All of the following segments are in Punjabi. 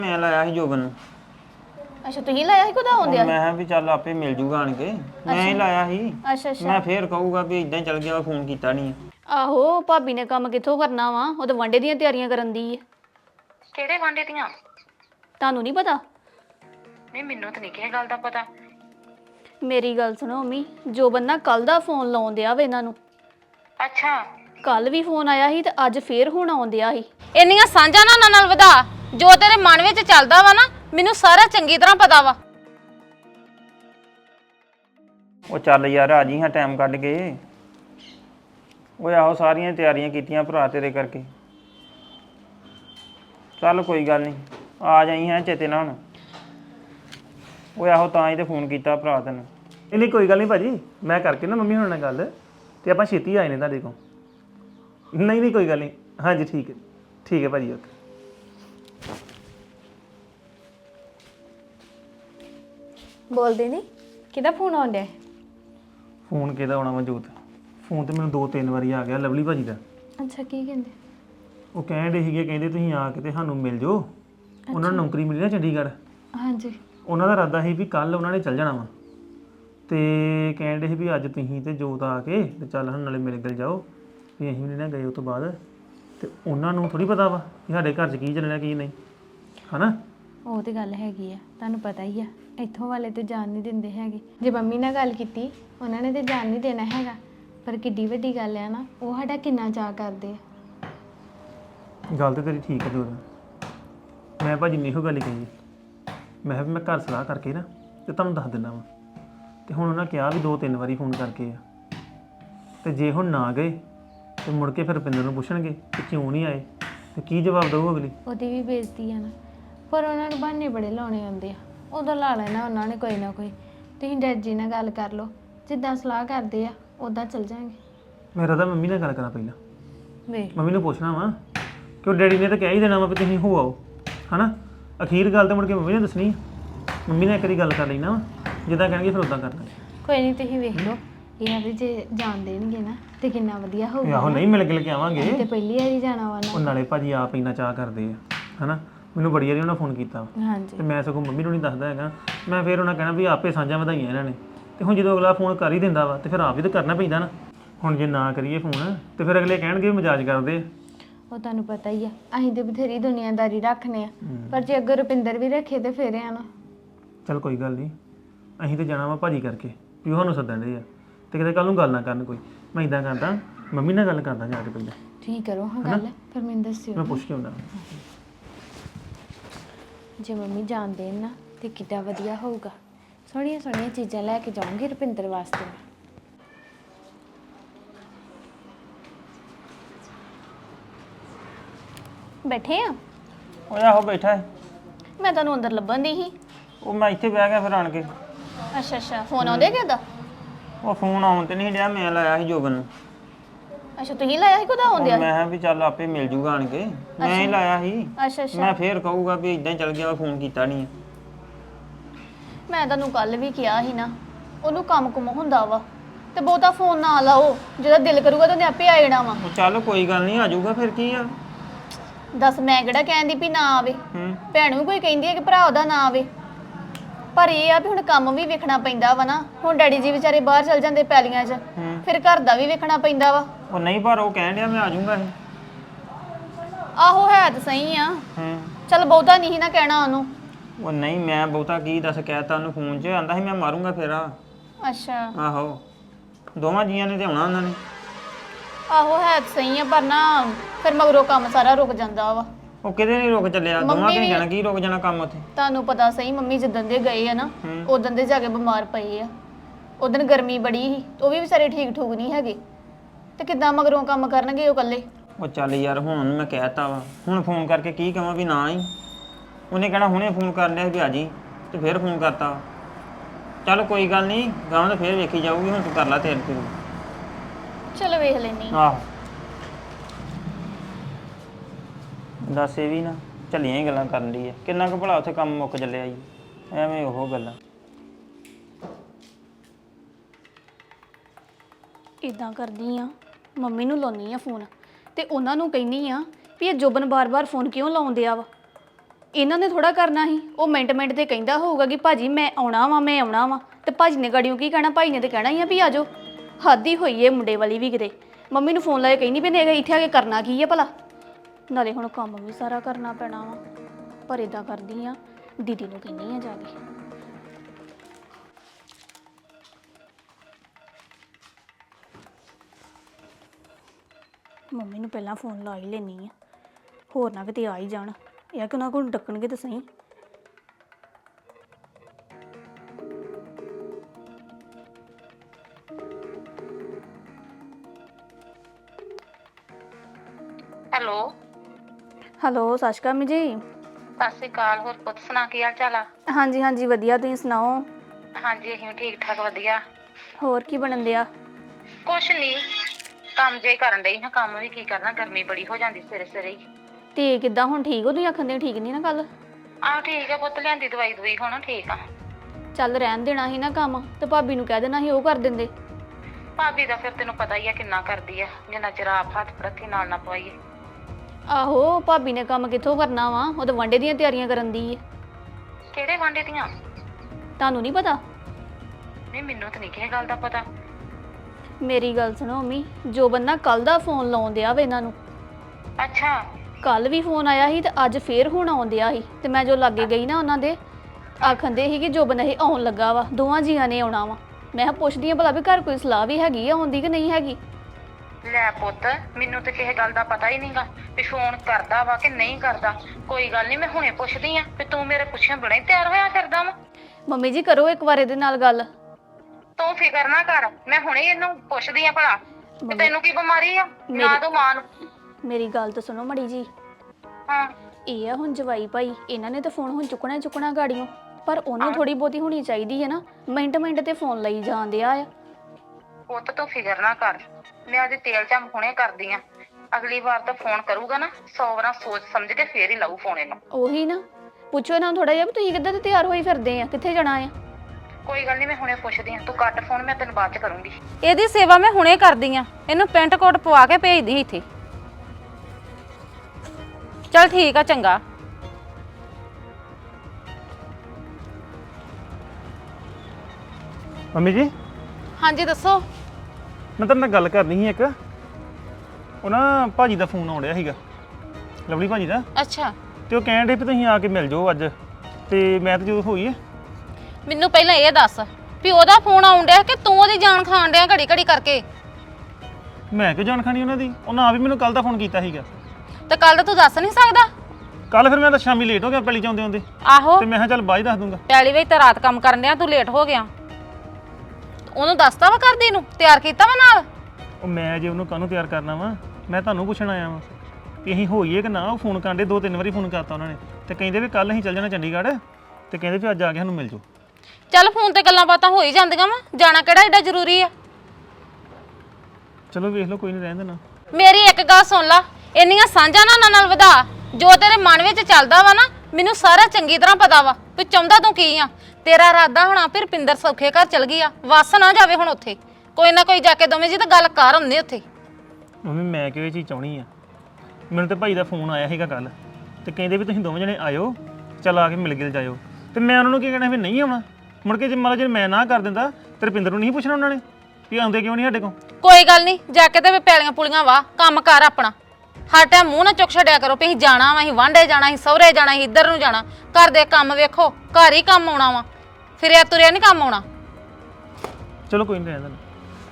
ਮੈਂ ਲਾਇਆ ਸੀ ਜੋਬਨ ਨੂੰ। ਅੱਛਾ ਤੁਸੀਂ ਲਾਇਆ ਸੀ ਕਦੋਂ ਆਉਂਦਿਆ? ਮੈਂ ਕਿਹਾ ਵੀ ਚੱਲ ਆਪੇ ਮਿਲ ਜੂਗਾ ਆਣ ਕੇ। ਮੈਂ ਹੀ ਲਾਇਆ ਸੀ। ਅੱਛਾ ਮੈਂ ਫੇਰ ਕਹੂਗਾ ਵੀ ਇਦਾਂ ਹੀ ਚੱਲ ਗਿਆ, ਫੋਨ ਕੀਤਾ ਨਹੀਂ। ਆਹੋ ਭਾਬੀ ਨੇ ਕੰਮ ਕਿੱਥੋਂ ਕਰਨਾ ਵਾ, ਉਹ ਤਾਂ ਵਾਂਡੇ ਦੀਆਂ ਤਿਆਰੀਆਂ ਕਰਨ ਦੀ ਹੈ। ਕਿਹੜੇ ਵਾਂਡੇ ਦੀਆਂ? ਤੁਹਾਨੂੰ ਨਹੀਂ ਪਤਾ? ਨਹੀਂ ਮੈਨੂੰ ਤਾਂ ਨਹੀਂ ਕਿਸੇ ਗੱਲ ਦਾ ਪਤਾ। ਮੇਰੀ ਗੱਲ ਸੁਣੋ ਮੰਮੀ, ਜੋ ਬੰਦਾ ਕੱਲ ਦਾ ਫੋਨ ਲਾਉਣ ਦਿਆ ਵਾ ਇਹਨਾਂ ਨੂੰ। ਅੱਛਾ ਕੱਲ ਵੀ ਫੋਨ ਆਇਆ ਸੀ ਤੇ ਅੱਜ ਫੇਰ ਹੁਣ ਆਉਣ ਦਿਆ ਸੀ। ਇੰਨੀਆਂ ਸਾਂਝਾਂ ਨਾ ਉਹਨਾਂ ਨਾਲ ਵਧਾ। ਜੋ ਤੇਰੇ ਮਨ ਵਿੱਚ ਚੱਲਦਾ ਵਾ ਨਾ, ਮੈਨੂੰ ਸਾਰਾ ਚੰਗੀ ਤਰ੍ਹਾਂ ਪਤਾ ਵਾ। ਉਹ ਚੱਲ ਯਾਰ ਆ ਜੀ ਹਾਂ ਟਾਈਮ ਕੱਢ ਕੇ। ਉਹ ਆਹੋ ਸਾਰੀਆਂ ਤਿਆਰੀਆਂ ਕੀਤੀਆਂ ਭਰਾ ਤੇਰੇ ਕਰਕੇ। ਚੱਲ ਕੋਈ ਗੱਲ ਨਹੀਂ, ਆ ਜਾਈ ਹੈ ਚੇਤੇ ਨਾਲ ਹੁਣ। ਉਹ ਆਹੋ ਤਾਂ ਹੀ ਤੇ ਫੋਨ ਕੀਤਾ ਭਰਾ ਤੈਨੂੰ। ਨਹੀਂ ਕੋਈ ਗੱਲ ਨਹੀਂ ਭਾਜੀ, ਮੈਂ ਕਰਕੇ ਨਾ ਮੰਮੀ ਹੋਣਾ ਨਾਲ ਗੱਲ ਤੇ ਆਪਾਂ ਛੇਤੀ ਆਏ ਨੇ ਤੁਹਾਡੇ ਕੋਲ। ਨਹੀਂ ਕੋਈ ਗੱਲ ਨਹੀਂ, ਹਾਂਜੀ ਠੀਕ ਹੈ ਭਾਜੀ, ਓਕੇ। ਬੋਲਦੇ ਨਹੀਂ ਕਿਹਦਾ ਫੋਨ ਆਉਣ ਡਿਆ? ਫੋਨ ਕਿਹਦਾ ਆਉਣਾ ਮੌਜੂਦ? ਫੋਨ ਤੇ ਮੈਨੂੰ 2-3 ਵਾਰੀ ਆ ਗਿਆ ਲਵਲੀ ਭਾਜੀ ਦਾ। ਅੱਛਾ ਕੀ ਕਹਿੰਦੇ? ਉਹ ਕਹਿੰਦੇ ਸੀਗੇ, ਕਹਿੰਦੇ ਤੁਸੀਂ ਆ ਕੇ ਤੇ ਸਾਨੂੰ ਮਿਲ ਜਾਓ। ਉਹਨਾਂ ਨੂੰ ਨੌਕਰੀ ਮਿਲੀ ਨਾ ਚੰਡੀਗੜ੍ਹ। ਹਾਂਜੀ। ਉਹਨਾਂ ਦਾ ਇਰਾਦਾ ਸੀ ਵੀ ਕੱਲ ਉਹਨਾਂ ਨੇ ਚੱਲ ਜਾਣਾ ਵਾ ਤੇ ਕਹਿੰਦੇ ਸੀ ਵੀ ਅੱਜ ਤੁਸੀਂ ਤੇ ਜੋਤ ਆ ਕੇ ਤੇ ਚੱਲ ਸਾਨੂੰ ਨਾਲੇ ਮਿਲ ਗਿਲ ਜਾਓ ਵੀ ਅਸੀਂ ਵੀ ਨਾ ਗਏ ਉਸ ਤੋਂ ਬਾਅਦ। ਤੇ ਉਹਨਾਂ ਨੂੰ ਥੋੜੀ ਪਤਾ ਵਾ ਕਿ ਸਾਡੇ ਘਰ 'ਚ ਕੀ ਚੱਲਣਾ ਕੀ ਨਹੀਂ, ਹਨਾ? ਉਹ ਤੇ ਗੱਲ ਹੈਗੀ ਆ, ਤੁਹਾਨੂੰ ਪਤਾ ਹੀ ਆ ਇੱਥੋਂ ਵਾਲੇ ਤੇ ਜਾਣ ਨਹੀਂ ਦਿੰਦੇ ਹੈਗੇ। ਜੇ ਮੰਮੀ ਨਾਲ ਗੱਲ ਕੀਤੀ ਉਹਨਾਂ ਨੇ ਤੇ ਜਾਣ ਨਹੀਂ ਦੇਣਾ ਹੈਗਾ, ਪਰ ਕਿੱਡੀ ਵੱਡੀ ਗੱਲ ਆ ਨਾ, ਉਹ ਸਾਡਾ ਕਿੰਨਾ ਚਾਅ ਕਰਦੇ ਆ। ਗੱਲ ਤੇ ਤੇਰੀ ਠੀਕ ਹੈ ਜੋਤ। ਮੈਂ ਭਾਜੀ ਨੇ ਇਹੋ ਗੱਲ ਹੀ ਕਹੀ, ਮੈਂ ਕਿਹਾ ਵੀ ਮੈਂ ਘਰ ਸਲਾਹ ਕਰਕੇ ਨਾ ਤੇ ਤੁਹਾਨੂੰ ਦੱਸ ਦਿੰਦਾ ਵਾ। ਤੇ ਹੁਣ ਉਹਨਾਂ ਕਿਹਾ ਵੀ 2-3 ਵਾਰੀ ਫੋਨ ਕਰਕੇ ਆ, ਤੇ ਜੇ ਹੁਣ ਨਾ ਗਏ ਤੇ ਮੁੜ ਕੇ ਫਿਰ ਰੁਪਿੰਦਰ ਨੂੰ ਪੁੱਛਣਗੇ ਕਿ ਕਿਉਂ ਨਹੀਂ ਆਏ, ਤੇ ਕੀ ਜਵਾਬ ਦਊ ਅਗਲੀ? ਉਹਦੀ ਵੀ ਬੇਇੱਜ਼ਤੀ ਆ ਨਾ, ਪਰ ਉਹਨਾਂ ਨੂੰ ਬਹਾਨੇ ਬੜੇ ਲਾਉਣੇ ਆਉਂਦੇ ਆ। ਉਦੋਂ ਲਾ ਲੈਣਾ ਉਹਨਾਂ ਨੇ ਕੋਈ ਨਾ ਕੋਈ। ਤੁਸੀਂ ਡੈਡ ਜੀ ਨਾਲ ਗੱਲ ਕਰ ਲਓ, ਜਿੱਦਾਂ ਸਲਾਹ ਕਰਦੇ ਆ ਉੱਦਾਂ ਚੱਲ ਜਾਵਾਂਗੇ। ਮੇਰਾ ਤਾਂ ਮੰਮੀ ਨਾਲ ਗੱਲ ਕਰਾਂ ਪਹਿਲਾਂ। ਵੇਖ ਮੰਮੀ ਨੂੰ ਪੁੱਛਣਾ ਵਾ ਕਿ ਉਹ ਡੈਡੀ ਨੇ ਤਾਂ ਕਹਿ ਹੀ ਦੇਣਾ ਵਾ ਵੀ ਤੁਸੀਂ ਹੋ ਆਓ, ਹਨਾ? ਅਖੀਰ ਗੱਲ ਤਾਂ ਮੁੜ ਕੇ ਮੰਮੀ ਨੇ ਦੱਸਣੀ ਆ। ਮੰਮੀ ਨੇ ਇੱਕ ਵਾਰੀ ਗੱਲ ਕਰ ਲੈਣਾ ਵਾ, ਜਿੱਦਾਂ ਕਹਿਣਗੇ ਫਿਰ ਉੱਦਾਂ ਕਰ ਲਾਂਗੇ। ਕੋਈ ਨਹੀਂ, ਤੁਸੀਂ ਵੇਖ ਲਓ। ਇਹ ਆ ਵੀ ਜੇ ਜਾਣ ਦੇਣਗੇ ਨਾ ਤੇ ਕਿੰਨਾ ਵਧੀਆ ਹੋਊਗਾ। ਆਹੋ ਨਹੀਂ ਮਿਲ ਗਿਲ ਕੇ ਆਵਾਂਗੇ ਤੇ ਪਹਿਲੀ ਵਾਰੀ ਜਾਣਾ ਵਾ ਉਹ। ਨਾ। ਨਾਲੇ ਭਾਜੀ ਆਪ ਇੰਨਾ ਚਾਹ ਕਰਦੇ ਆ, ਹਨਾ? ਮੈਨੂੰ ਬੜੀ ਵਾਰੀ ਉਹਨਾਂ ਫੋਨ ਕੀਤਾ ਹਾਂਜੀ। ਤੇ ਮੈਂ ਸਗੋਂ ਮੰਮੀ ਨੂੰ ਨਹੀਂ ਦੱਸਦਾ ਹੈਗਾ। ਮੈਂ ਫਿਰ ਉਹਨਾਂ ਕਹਿਣਾ ਵੀ ਆਪੇ ਸਾਂਝਾਂ ਵਧਾਈਆਂ ਇਹਨਾਂ ਨੇ। ਤੇ ਹੁਣ ਜਦੋਂ ਅਗਲਾ ਫੋਨ ਕਰ ਹੀ ਦਿੰਦਾ ਵਾ ਤੇ ਫਿਰ ਆਪ ਵੀ ਤਾਂ ਕਰਨਾ ਪੈਂਦਾ ਨਾ। ਹੁਣ ਜੇ ਨਾ ਕਰੀਏ ਫੋਨ ਤੇ ਫਿਰ ਅਗਲੇ ਕਹਿਣਗੇ ਵੀ ਮਜ਼ਾਜ ਕਰਦੇ ਆ। ਉਹ ਤੁਹਾਨੂੰ ਪਤਾ ਹੀ ਆ, ਅਸੀਂ ਤੇ ਬਥੇਰੀ ਦੁਨੀਆਦਾਰੀ ਰੱਖਨੇ ਆ, ਪਰ ਜੇ ਅੱਗੇ ਰੁਪਿੰਦਰ ਵੀ ਰੱਖੇ ਤੇ ਫੇਰ ਆ ਨਾ। ਚਲ ਕੋਈ ਗੱਲ ਨਹੀਂ, ਅਸੀਂ ਤੇ ਜਾਣਾ ਵਾ ਭਾਜੀ ਕਰਕੇ ਵੀ ਉਹ ਸਾਨੂੰ ਸੱਦਣ ਦੇ ਆ, ਤੇ ਕਿਤੇ ਕੱਲ ਨੂੰ ਗੱਲ ਨਾ ਕਰਨ ਕੋਈ। ਮੈਂ ਇਦਾਂ ਕਰਦਾ, ਮੰਮੀ ਨਾਲ ਗੱਲ ਕਰਦਾ ਜਾ ਕੇ ਪਹਿਲਾਂ। ਠੀਕ ਕਰੋ ਹਾਂ ਗੱਲ, ਫਿਰ ਮੈਨੂੰ ਦੱਸਿਓ। ਮੈਂ ਪੁੱਛ ਕੇ ਆਉਂਦਾ। ਜੇ ਮੰਮੀ ਜਾਣ ਦੇਣ ਨਾ ਤੇ ਕਿੱਦਾਂ ਵਧੀਆ ਹੋਊਗਾ। ਸੋਹਣੀਆਂ ਸੋਹਣੀਆਂ ਚੀਜ਼ਾਂ ਲੈ ਕੇ ਜਾਊਂਗੀ ਰੁਪਿੰਦਰ ਵਾਸਤੇ ਮੈਂ। ਬੈਠੇ ਆ? ਉਹ ਆਹੋ ਬੈਠਾ ਹੈ। ਮੈਂ ਤੁਹਾਨੂੰ ਅੰਦਰ ਲੱਭਣ ਦੀ ਸੀ। ਉਹ ਮੈਂ ਇੱਥੇ ਬਹਿ ਗਿਆ ਫਿਰ ਆਣ ਕੇ। ਅੱਛਾ ਫੋਨ ਆਉਂਦੇ ਕਿਹਦਾ? ਉਹ ਫੋਨ ਆਉਣ ਤੇ ਨਹੀਂ ਡਿਆ, ਮੈਂ ਲਾਇਆ ਸੀ ਜੋਬਨ ਨੂੰ। ਅੱਛਾ ਤੁਸੀਂ ਲਾਇਆ ਸੀ ਕਦੋਂ ਆਉਂਦਿਆ? ਮੈਂ ਕਿਹਾ ਵੀ ਚੱਲ ਆਪੇ ਮਿਲ ਜੂਗਾ ਆਣ ਕੇ। ਮੈਂ ਹੀ ਲਾਇਆ ਸੀ। ਅੱਛਾ ਮੈਂ ਫੇਰ ਕਹੂਗਾ ਵੀ ਇਦਾਂ ਹੀ ਚੱਲ ਗਿਆ, ਫੋਨ ਕੀਤਾ ਨਹੀਂ। ਮੈਂ ਤੁਹਾਨੂੰ ਕੱਲ ਵੀ ਕਿਹਾ ਸੀ ਨਾ, ਉਹਨੂੰ ਕੰਮ ਕੁਮ ਹੁੰਦਾ ਵਾ ਤੇ ਬਹੁਤਾ ਫੋਨ ਨਾ ਲਾਓ। ਜਿਹਦਾ ਦਿਲ ਕਰੂਗਾ ਤਾਂ ਉਹਨੇ ਆਪੇ ਆ ਜਾਣਾ ਵਾ। ਉਹ ਚੱਲ ਕੋਈ ਗੱਲ ਨਹੀਂ, ਆ ਜਾਊਗਾ ਫਿਰ ਕੀ ਆ। ਦੱਸ ਮੈਂ ਕਿਹੜਾ ਕਹਿੰਦੀ ਵੀ ਨਾ ਆਵੇ। ਹੂੰ ਭੈਣ ਵੀ ਕੋਈ ਕਹਿੰਦੀ ਹੈ ਕਿ ਭਰਾ ਉਹਦਾ ਨਾ ਆਵੇ, ਪਰ ਇਹ ਆ ਵੀ ਹੁਣ ਕੰਮ ਵੀ ਵੇਖਣਾ ਪੈਂਦਾ ਵਾ ਨਾ। ਹੁਣ ਡੈਡੀ ਜੀ ਵਿਚਾਰੇ ਬਾਹਰ ਚਲ ਜਾਂਦੇ ਪੈਲੀਆਂ 'ਚ, ਫਿਰ ਘਰ ਦਾ ਵੀ ਵੇਖਣਾ ਪੈਂਦਾ ਵਾ। ਉਹ ਨਹੀਂ, ਪਰ ਉਹ ਕਹਿਣ ਡਿਆ ਮੈਂ ਆ ਜਾਊਂਗਾ ਇਹ। ਆਹੋ ਹੈ ਤਾਂ ਸਹੀ ਆ। ਚੱਲ ਬਹੁਤਾ ਨਹੀਂ ਨਾ ਕਹਿਣਾ ਉਹਨੂੰ। ਉਹ ਨਹੀਂ, ਮੈਂ ਬਹੁਤਾ ਕੀ ਦੱਸ ਕਹਿਤਾ ਉਹਨੂੰ ਫੋਨ 'ਚ। ਆਂਦਾ ਸੀ ਮੈਂ ਮਾਰੂੰਗਾ ਫੇਰਾ। ਅੱਛਾ ਆਹੋ, ਦੋਵਾਂ ਜੀਆਂ ਨੇ ਤੇ ਆਉਣਾ ਉਹਨਾਂ ਨੇ। ਆਹੋ ਹੈ ਤਾਂ ਸਹੀ ਆ, ਪਰ ਨਾ ਫਿਰ ਮਗਰੋਂ ਕੰਮ ਸਾਰਾ ਰੁਕ ਜਾਂਦਾ ਵਾ। ਉਹ ਕਿਤੇ ਨਹੀਂ ਰੁਕ ਚੱਲਿਆ, ਦੋਵਾਂ ਮੰਮੀ ਤੇ ਵੀ- ਜਾਣਾ ਕੀ ਰੁਕ ਜਾਣਾ ਕੰਮ ਉੱਥੇ। ਤੁਹਾਨੂੰ ਪਤਾ ਸਹੀ, ਮੰਮੀ ਜਿੱਦਣ ਦੇ ਗਏ ਆ ਨਾ ਉਦੋਂ ਦੇ ਜਾ ਕੇ ਬਿਮਾਰ ਪਏ ਆ। ਉਦੋਂ ਗਰਮੀ ਬੜੀ ਸੀ, ਉਹ ਵੀ ਵਿਚਾਰੇ ਠੀਕ ਠੂਕ ਨਹੀਂ ਹੈਗੇ, ਤੇ ਕਿੱਦਾਂ ਮਗਰੋਂ ਕੰਮ ਕਰਨਗੇ ਉਹ ਇਕੱਲੇ? ਉਹ ਚੱਲ ਯਾਰ, ਹੁਣ ਉਹਨੂੰ ਮੈਂ ਕਹਿਤਾ ਵਾ, ਹੁਣ ਫੋਨ ਕਰਕੇ ਕੀ ਕਹਾਂ ਵੀ ਨਾ ਹੀ। ਉਹਨੇ ਕਹਿਣਾ ਹੁਣੇ ਫੋਨ ਕਰ ਲਿਆ ਵੀ ਆ ਜੀ, ਤੇ ਫਿਰ ਫੋਨ ਕਰਤਾ। ਚੱਲ ਕੋਈ ਗੱਲ ਨਹੀਂ, ਗਾਂ ਤਾਂ ਫਿਰ ਵੇਖੀ ਜਾਊਗੀ। ਹੁਣ ਤੂੰ ਕਰ ਲੈ ਤੇਰੇ ਤੇ। ਚਲੋ ਵੇਖ ਲੈਣੀ। ਆਹੋ ਦੱਸ, ਇਹ ਵੀ ਨਾ ਝੱਲੀਆਂ ਹੀ ਗੱਲਾਂ ਕਰਨ ਲਈ ਆ। ਕਿੰਨਾ ਕੁ ਭਲਾ ਉੱਥੇ ਕੰਮ ਮੁੱਕ ਚੱਲਿਆ ਜੀ, ਐਵੇਂ ਉਹ ਗੱਲਾਂ। ਇਦਾਂ ਕਰਦੀ ਆ, ਮੰਮੀ ਨੂੰ ਲਾਉਣੀ ਆ ਫੋਨ ਤੇ ਉਹਨਾਂ ਨੂੰ ਕਹਿੰਦੀ ਆ ਵੀ ਇਹ ਜੋਬਨ ਬਾਰ-ਬਾਰ ਫੋਨ ਕਿਉਂ ਲਾਉਂਦੇ ਆ ਵਾ। ਇਹਨਾਂ ਨੇ ਥੋੜਾ ਕਰਨਾ ਸੀ। ਉਹ ਮਿੰਟ ਤੇ ਕਹਿੰਦਾ ਹੋਊਗਾ ਕਿ ਭਾਜੀ ਮੈਂ ਆਉਣਾ ਵਾਂ ਤੇ ਭਾਜੀ ਨੇ ਗਾੜੀਆਂ ਕੀ ਕਹਿਣਾ, ਭਾਈ ਨੇ ਤੇ ਕਹਿਣਾ ਹੀ ਆ ਵੀ ਆ ਜਾਓ। ਹੱਦ ਹੀ ਹੋਈ ਏ ਮੁੰਡੇ ਵਾਲੀ ਵੀ ਕਿਤੇ। ਮੰਮੀ ਨੂੰ ਫੋਨ ਲਾ ਕੇ ਕਹਿੰਦੀ ਵੀ ਨੇ ਇੱਥੇ ਆ ਕੇ ਕਰਨਾ ਕੀ ਆ ਭਲਾ। ਨਾਲੇ ਹੁਣ ਕੰਮ ਵੀ ਸਾਰਾ ਕਰਨਾ ਪੈਣਾ ਵਾ। ਪਰ ਇਦਾਂ ਕਰਦੀ ਆ, ਦੀਦੀ ਨੂੰ ਕਹਿੰਦੀ ਆ ਜਾ ਕੇ। ਮੰਮੀ ਨੂੰ ਪਹਿਲਾਂ ਫੋਨ ਲਾ ਹੀ ਲੈਣੀ ਆ, ਹੋਰ ਨਾ ਕਿਤੇ ਆ ਹੀ ਜਾਣ। ਇਹ ਕਿ ਉਹਨਾਂ ਕੋਲ ਡੱਕਣਗੇ ਤਾਂ ਸਹੀ। ਹੈਲੋ। ਹੈਲੋ, ਸਤਿ ਸ਼੍ਰੀ ਅਕਾਲ ਮੰਮੀ ਜੀ। ਸਤਿ ਸ਼੍ਰੀ ਅਕਾਲ। ਹੋਰ ਪੁੱਤ ਸੁਣਾ, ਕੀ ਹਾਲ ਚਾਲ ਆ? ਹਾਂਜੀ ਵਧੀਆ, ਤੁਸੀਂ ਸੁਣਾਓ? ਹਾਂਜੀ ਅਸੀਂ ਵੀ ਠੀਕ ਠਾਕ ਵਧੀਆ। ਹੋਰ ਕੀ ਬਣਨ ਦਿਆ? ਕੁਛ ਨਹੀਂ, ਕੰਮ ਜੇ ਕਰਨ ਡਈ ਹਾਂ। ਕੰਮ ਵੀ ਕੀ ਕਰਨਾ, ਗਰਮੀ ਬੜੀ ਹੋ ਜਾਂਦੀ ਸਵੇਰੇ ਸਵੇਰੇ ਹੀ। ਤੇ ਕਿੱਦਾਂ ਹੁਣ ਠੀਕ ਹੋ? ਤੁਸੀਂ ਆਖਣ ਦੇ ਠੀਕ ਨਹੀਂ ਨਾ ਕੱਲ? ਆਹ ਠੀਕ ਆ ਪੁੱਤ, ਲਿਆਂਦੀ ਦਵਾਈ ਹੁਣ ਠੀਕ ਆ। ਚੱਲ ਰਹਿਣ ਦੇਣਾ ਸੀ ਨਾ ਕੰਮ, ਤੇ ਭਾਬੀ ਨੂੰ ਕਹਿ ਦੇਣਾ ਸੀ, ਉਹ ਕਰ ਦਿੰਦੇ। ਭਾਬੀ ਦਾ ਫਿਰ ਤੈਨੂੰ ਪਤਾ ਹੀ ਆ ਕਿੰਨਾ ਕਰਦੀ ਆ, ਜਿੰਨਾ ਚਿਰ ਆਪ ਹੱਥ ਪੜੱਥੀ ਨਾਲ ਨਾ ਪਵਾਈਏ। ਆਹੋ, ਭਾਬੀ ਨੇ ਕੰਮ ਕਿੱਥੋਂ ਕਰਨਾ ਵਾ? ਉਹ ਤਾਂ ਵਾਂਡੇ ਦੀਆਂ ਤਿਆਰੀਆਂ ਕਰਨ ਦੀ ਏ। ਕਿਹੜੇ ਵਾਂਡੇ ਦੀਆਂ? ਤੁਹਾਨੂੰ ਨਹੀਂ ਪਤਾ? ਨਹੀਂ ਮੈਨੂੰ ਤਾਂ ਨਹੀਂ ਕਿਸੇ ਗੱਲ ਦਾ ਪਤਾ। ਮੇਰੀ ਗੱਲ ਸੁਣੋ ਮੰਮੀ, ਜੋ ਬੰਦਾ ਕੱਲ ਦਾ ਫੋਨ ਲਾਉਣ ਦਿਆ ਵੇ ਇਹਨਾਂ ਨੂੰ। ਅੱਛਾ। ਕੱਲ ਵੀ ਫੋਨ ਆਇਆ ਸੀ ਤੇ ਅੱਜ ਫੇਰ ਹੁਣ ਆਉਣ ਦਿਆ ਸੀ। ਤੇ ਮੈਂ ਜੋ ਲਾਗੇ ਗਈ ਨਾ ਉਹਨਾਂ ਦੇ, ਆਖੰਦੇ ਸੀ ਕਿ ਜੋ ਬੰਦਾ ਇਹ ਆਉਣ ਲੱਗਾ ਵਾ, ਦੋਵਾਂ ਜੀਆਂ ਨੇ ਆਉਣਾ ਵਾ। ਮੈਂ ਕਿਹਾ ਪੁੱਛਦੀ ਆ ਭਲਾ ਵੀ ਘਰ ਕੋਈ ਸਲਾਹ ਵੀ ਹੈਗੀ ਆ ਆਉਂਦੀ ਕਿ ਨਹੀਂ ਹੈਗੀ। ਲੈ ਪੁੱਤ, ਮੈਨੂੰ ਤੇ ਕਿਸੇ ਗੱਲ ਦਾ ਪਤਾ ਹੀ ਨਹੀਂਗਾ ਵੀ ਫੋਨ ਕਰਦਾ ਵਾ ਕਿ ਨਹੀਂ ਕਰਦਾ। ਕੋਈ ਗੱਲ ਨਹੀਂ, ਮੈਂ ਹੁਣੇ ਪੁੱਛਦੀ ਆ ਵੀ ਤੂੰ ਮੇਰੇ ਪੁੱਛਿਆ ਬੜਾ ਹੀ ਤਿਆਰ ਹੋਇਆ ਫਿਰਦਾ ਵਾ। ਮੰਮੀ ਜੀ ਕਰੋ ਇੱਕ ਵਾਰ ਇਹਦੇ ਨਾਲ ਗੱਲ। ਤੂੰ ਫਿਕਰ ਨਾ ਕਰ, ਮੈਂ ਹੁਣੇ ਇਹਨੂੰ ਪੁੱਛਦੀ ਆ ਭਲਾ ਕਿ ਤੈਨੂੰ ਕੀ ਬਿਮਾਰੀ ਆ, ਨਾ ਤੂੰ ਮਾਂ ਨੂੰ। ਮੇਰੀ ਗੱਲ ਤਾਂ ਸੁਣੋ ਮੜੀ ਜੀ। ਹਾਂ। ਇਹ ਆ ਹੁਣ ਜਵਾਈ ਭਾਈ, ਇਹਨਾਂ ਨੇ ਤਾਂ ਫੋਨ ਹੁਣ ਚੁੱਕਣਾ ਗਾੜੀਆਂ, ਪਰ ਉਹਨੂੰ ਥੋੜੀ ਬਹੁਤੀ ਹੋਣੀ ਚਾਹੀਦੀ ਹੈ ਨਾ। ਮਿੰਟ ਤੇ ਫੋਨ ਲਈ ਜਾਂਦੇ ਆ। ਪੁੱਤ ਤੂੰ ਫਿਕਰ ਨਾ ਕਰ, ਮੈਂ ਅੱਜ ਤੇਲ ਚਮ ਹੁਣੇ ਕਰਦੀ ਆ। ਅਗਲੀ ਵਾਰ ਤਾਂ ਫੋਨ ਕਰੂਗਾ ਨਾ 100 ਵਾਰ ਸੋਚ ਸਮਝ ਕੇ ਫੇਰ ਹੀ ਲਾਊ ਫੋਨ ਇਹਨੂੰ। ਉਹੀ ਨਾ, ਪੁੱਛੋ ਇਹਨਾਂ ਨੂੰ ਥੋੜਾ ਜਿਹਾ ਵੀ ਤੁਸੀਂ ਕਿੱਦਾਂ ਤੇ ਤਿਆਰ ਹੋਈ ਫਿਰਦੇ ਆ, ਕਿੱਥੇ ਜਾਣਾ ਆ? ਕੋਈ ਗੱਲ ਨਹੀਂ, ਮੈਂ ਹੁਣੇ ਪੁੱਛਦੀ ਆ। ਤੂੰ ਕੱਟ ਫੋਨ, ਮੈਂ ਤੈਨੂੰ ਬਾਅਦ ਚ ਕਰੂੰਗੀ। ਇਹਦੀ ਸੇਵਾ ਮੈਂ ਹੁਣੇ ਕਰਦੀ ਆ। ਇਹਨੂੰ ਪੈਂਟ ਕੋਟ ਪਵਾ ਕੇ ਭੇਜਦੀ ਇੱਥੇ। ਚਲ ਠੀਕ ਆ, ਚੰਗਾ। ਮੰਮੀ ਜੀ, ਹਾਂਜੀ ਦੱਸੋ। ਮੈਂ ਤੁਹਾਡੇ ਨਾਲ ਗੱਲ ਕਰਨੀ ਸੀ ਇੱਕ। ਉਹ ਨਾ ਭਾਜੀ ਦਾ ਫੋਨ ਆਉਣ ਡਿਆ ਸੀਗਾ, ਲਵਲੀ ਭਾਜੀ ਦਾ। ਅੱਛਾ। ਤੇ ਉਹ ਕਹਿਣ ਡੇ ਵੀ ਤੁਸੀਂ ਆ ਕੇ ਮਿਲ ਜਾਓ ਅੱਜ। ਤੇ ਮੈਂ ਤਾਂ ਜਦੋਂ ਹੋਈ ਹੈ, ਮੈਨੂੰ ਪਹਿਲਾਂ ਇਹ ਦੱਸ ਵੀ ਉਹਦਾ ਫੋਨ ਆਉਣ ਡਿਆ ਕਿ ਤੂੰ ਉਹਦੀ ਜਾਨ ਖਾਣ ਡਿਆ ਘੜੀ ਕਰਕੇ? ਮੈਂ ਕਿਉਂ ਜਾਣ ਖਾਣੀ ਉਹਨਾਂ ਦੀ? ਉਹਨਾਂ ਆ ਵੀ ਮੈਨੂੰ ਕੱਲ ਦਾ ਫੋਨ ਕੀਤਾ ਸੀਗਾ। ਤੇ ਕੱਲ ਤਾਂ ਤੂੰ ਦੱਸ ਨਹੀਂ ਸਕਦਾ? ਕੱਲ ਫਿਰ ਮੈਂ ਤਾਂ ਸ਼ਾਮੀ ਲੇਟ ਹੋ ਗਿਆ ਪੈਲੀ ਚਾਉਂਦੇ ਆਉਂਦੇ। ਆਹੋ, ਤੇ ਮੈਂ ਕਿਹਾ ਚੱਲ ਬਾਅਦ ਹੀ ਦੱਸ ਦੂੰਗਾ। ਪੈਲੀ ਵਿੱਚ ਤਾਂ ਰਾਤ ਕੰਮ ਕਰਨ ਡਿਆ, ਤੂੰ ਲੇਟ ਹੋ ਗਿਆ। ਉਹਨੂੰ ਦੱਸਤਾ ਵਾ ਕਰਦੀ ਨੂੰ, ਤਿਆਰ ਕੀਤਾ ਵਾ ਨਾਲ? ਉਹ ਮੈਂ ਜੇ ਉਹਨੂੰ ਕਾਹਨੂੰ ਤਿਆਰ ਕਰਨਾ ਵਾ, ਮੈਂ ਤੁਹਾਨੂੰ ਪੁੱਛਣ ਆਇਆ ਵਾਂ ਕਿ ਅਸੀਂ ਹੋਈਏ ਕਿ ਨਾ। ਉਹ ਫੋਨ ਕਰਦੇ 2-3 ਵਾਰੀ ਫੋਨ ਕਰਤਾ ਉਹਨਾਂ ਨੇ, ਤੇ ਕਹਿੰਦੇ ਵੀ ਕੱਲ ਅਸੀਂ ਚੱਲ ਜਾਣਾ ਚੰਡੀਗੜ੍ਹ, ਤੇ ਕਹਿੰਦੇ ਵੀ ਅੱਜ ਆ ਕੇ ਸਾਨੂੰ ਮਿਲ ਜਾਓ। ਚੱਲ ਫੋਨ ਤੇ ਗੱਲਾਂ ਬਾਤਾਂ ਹੋ ਹੀ ਜਾਂਦੀਆਂ ਵਾ, ਜਾਣਾ ਕਿਹੜਾ ਏਡਾ ਜ਼ਰੂਰੀ ਆ? ਚਲੋ ਵੇਖ ਲਓ, ਕੋਈ ਨਹੀਂ, ਰਹਿਣ ਦੇਣਾ। ਮੇਰੀ ਇੱਕ ਗੱਲ ਸੁਣ ਲਾ, ਇੰਨੀਆਂ ਸਾਂਝਾਂ ਨਾ ਉਹਨਾਂ ਨਾਲ ਵਧਾ। ਜੋ ਤੇਰੇ ਮਨ ਵਿੱਚ ਚੱਲਦਾ ਵਾ ਨਾ, ਮੈਨੂੰ ਸਾਰਾ ਚੰਗੀ ਤਰ੍ਹਾਂ ਪਤਾ ਵਾ ਵੀ ਚਾਹੁੰਦਾ ਤੂੰ ਕੀ ਆ। ਤੇਰਾ ਇਰਾਦਾ ਹੋਣਾ ਫਿਰ ਰੁਪਿੰਦਰ ਸੌਖੇ ਘਰ ਚਲ ਗਈ ਆ, ਵਸ ਨਾ ਜਾਵੇ ਹੁਣ ਉੱਥੇ। ਕੋਈ ਨਾ ਕੋਈ ਜਾ ਕੇ ਦੋਵੇਂ ਜੀ ਤਾਂ ਗੱਲ ਕਰ ਹੁੰਦੇ ਉੱਥੇ। ਮੰਮੀ ਮੈਂ ਕਿਹੋ ਚੀਜ਼ ਚਾਹਣੀ ਆ? ਮੈਨੂੰ ਤੇ ਭਾਈ ਦਾ ਫੋਨ ਆਇਆ ਸੀਗਾ ਕੱਲ, ਤੇ ਕਹਿੰਦੇ ਵੀ ਤੁਸੀਂ ਦੋਵੇਂ ਜਣੇ ਆਇਓ, ਚੱਲ ਆ ਕੇ ਮਿਲ ਗਿਲ ਜਾਇਓ। ਤੇ ਮੈਂ ਉਹਨਾਂ ਨੂੰ ਕੀ ਕਹਿਣਾ ਵੀ ਨਹੀਂ ਆਉਣਾ? ਮੁੜ ਕੇ ਜੇ ਮੰਨ ਲਓ ਜੇ ਮੈਂ ਨਾ ਕਰ ਦਿੰਦਾ ਤੇ ਰੁਪਿੰਦਰ ਨੂੰ ਨਹੀਂ ਪੁੱਛਣਾ ਉਹਨਾਂ ਨੇ ਵੀ ਆਉਂਦੇ ਕਿਉਂ ਨਹੀਂ ਸਾਡੇ ਕੋਲ? ਕੋਈ ਗੱਲ ਨਹੀਂ, ਜਾ ਕੇ ਤੇ ਪੈਲੀਆਂ ਪੁਲੀਆਂ ਵਾ, ਕੰਮ ਕਰ ਆਪਣਾ। ਹਰ ਟਾਈਮ ਮੂੰਹ ਨਾ ਚੁੱਕ ਛੱਡਿਆ ਕਰੋ ਵੀ ਅਸੀਂ ਜਾਣਾ ਵਾ, ਅਸੀਂ ਵਾਂਢੇ ਜਾਣਾ, ਅਸੀਂ ਸਹੁਰੇ ਜਾਣਾ, ਅਸੀਂ ਇੱਧਰ ਨੂੰ ਜਾਣਾ। ਘਰ ਦੇ ਕੰਮ ਵੇਖੋ, ਘਰ ਹੀ ਕੰਮ ਆਉਣਾ ਵਾ, ਫਿਰਿਆ ਤੁਰਿਆ ਨਹੀਂ ਕੰਮ ਆਉਣਾ। ਚਲੋ ਕੋਈ ਨਹੀਂ, ਰਹਿਣ ਦੇਣਾ।